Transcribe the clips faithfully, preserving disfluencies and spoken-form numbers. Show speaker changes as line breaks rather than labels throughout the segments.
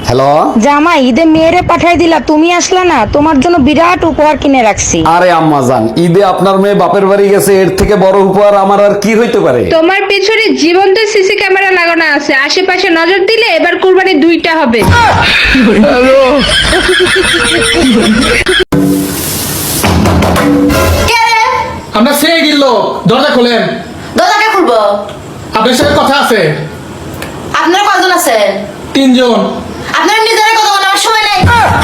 Hello
জামাই, ঈদে মেয়েরে পাঠাই দিলা, তুমি আসলা না। তোমার জন্য বিরাট উপহার কিনে রাখছি।
আরে আম্মা জান, ঈদে আপনার মেয়ে বাপের বাড়ি গেছে, এর থেকে বড় উপহার আমার আর কি হইতে পারে?
তোমার পেছনে জীবন্ত সিসি ক্যামেরা লাগানো আছে, আশেপাশে নজর দিলে এবার কুরবানি দুইটা হবে।
আমরা সে গিল, দরজা খোলেন।
দরজাকে খুলবো?
আপনার সাথে কথা আছে।
আপনারা কয়জন আছেন?
তিনজন।
আপনারা নিজেরা কথা বলার সময় নাই।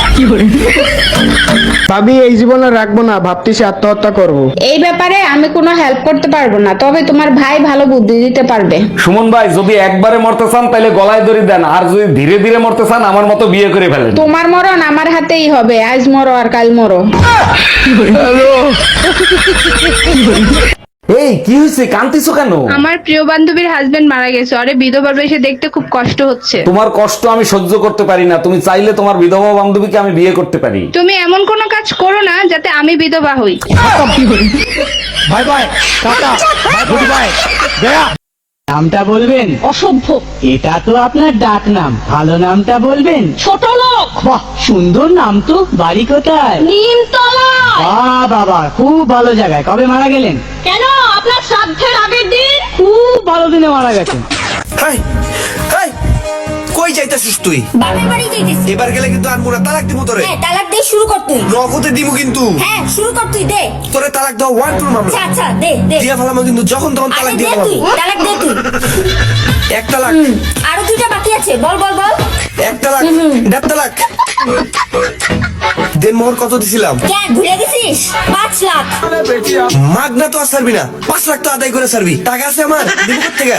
ভাবি এই জীবনে রাখবো না, ভাবতেছি আত্মহত্যা করব।
এই ব্যাপারে আমি কোনো হেল্প করতে পারবো না, তবে তোমার ভাই ভালো বুদ্ধি দিতে পারবে।
সুমন ভাই, যদি একবারে মরতে চান তাহলে গলায় দড়ি দেন, আর যদি ধীরে ধীরে মরতে চান আমার মতো বিয়ে করে ফেলেন।
তোমার মরণ আমার হাতেই হবে, আজ মরো আর কাল মরো।
এই কি হয়েছে, কান্তিছো কেন?
আমার প্রিয় বান্ধবীর হাজবেন্ড মারা গেছে, আরে বিধবা বেশে দেখতে খুব কষ্ট হচ্ছে।
তোমার কষ্ট আমি সহ্য করতে পারি না, তুমি চাইলে তোমার বিধবা বান্ধবীকে আমি বিয়ে করতে পারি।
তুমি এমন কোনো কাজ করো না যাতে আমি বিধবা হই।
Bye bye, tata, good bye, গয়া। নামটা বলবেন?
অসভ্য।
এটা তো আপনার ডাক নাম, ভালো নামটা বলবেন?
ছোট লোক।
বাহ, সুন্দর নাম তো। বাড়ি কোথায়?
নিমতলা।
বাহ বাবা, খুব ভালো জায়গায়। কবে মারা গেলেন?
কেন, আপনার শ্রাদ্ধের আগের দিন।
খুব ভালো দিনে মারা গেছেন।
হাই হাই, কই যাইতাছিস তুই?
বাপের বাড়ি যাইতেছি।
এবার গেলে কিন্তু আর মোরা তালাক দিব তোরে।
হ্যাঁ, তালাক দে, শুরু কর তুই।
নগদে দিব কিন্তু।
হ্যাঁ, শুরু কর তুই, দে।
তোরে তালাক দাও ওয়ান টু মামলা।
আচ্ছা আচ্ছা, দে দে।
দিয়া ফেলামো কিন্তু, যখন তখন
আরে
তালাক
দে
দিয়ে
তুই,
ফেলামো।
তালাক দে তুই।
এক তালাক,
আরো দুইটা বাকি আছে, বল বল বল।
এক তালাক, দেড় তালাক। দেন মোহর কত দিছিলাম?
কেন ভুলে গেছিস? পাঁচ লাখ।
মাগনা তো আর ছাড়বি না, পাঁচ লাখ তো আদায় করে ছাড়বি। টাকা আছে আমার, দিব কোত্থেকে?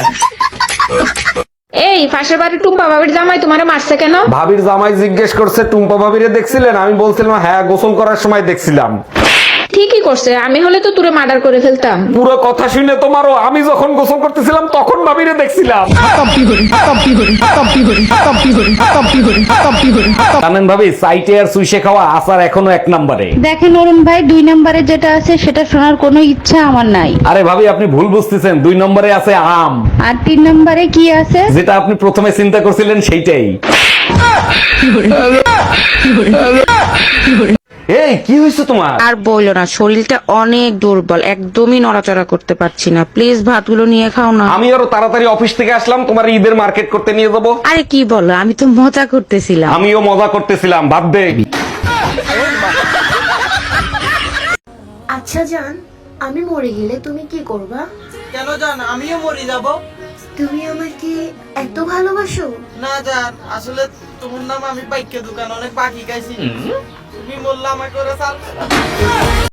এই পাশের বাড়ির টুম্পা বাবির জামাই তোমারে মারছে কেন?
ভাবির জামাই জিজ্ঞেস করছে টুম্পা ভাবিরে দেখছিলেন? আমি বলছিলাম হ্যাঁ, গোসল করার সময় দেখছিলাম।
ঠিকই করছে, আমি হলে তো তুরে মার্ডার করে ফেলতাম।
পুরো কথা শুনে তোমারও, আমি যখন গোসল করতেছিলাম তখন ভাবিরে দেখছিলাম। জানেন ভাবি, সাইটে আর সুইসে খাওয়া আসার এখনো এক নম্বরে।
দেখেন অরুণ ভাই, দুই নম্বরে যেটা আছে সেটা শোনার কোনো ইচ্ছা আমার নাই।
আরে ভাবি, আপনি ভুল বুঝতেছেন, দুই নম্বরে আছে আম,
আর তিন নম্বরে কি আছে?
যেটা আপনি প্রথমে চিন্তা করছিলেন সেইটাই। এই কি হয়েছে তোমার?
আর বইলো না, শরীরটা অনেক দুর্বল, একদমই নড়াচড়া করতে পারছি না। প্লিজ ভাতগুলো নিয়ে খাও না।
আমি আরো তাড়াতাড়ি অফিস থেকে আসলাম, তোমার ঈদের মার্কেট করতে নিয়ে যাবো।
আরে কি বলো, আমি তো মজা করতেছিলাম।
আমিও মজা করতেছিলাম, বাদ দে।
আচ্ছা জান, আমি মরে গেলে তুমি কি করবা?
কেন জান, আমিও মরে যাব।
তুমি আমাকে এত ভালোবাসো?
না জান, আসলে তোমার নাম আমি পাইকে দোকান অনেক বাকি খাইছি। তুমি বললা আমাকে ওরা চাল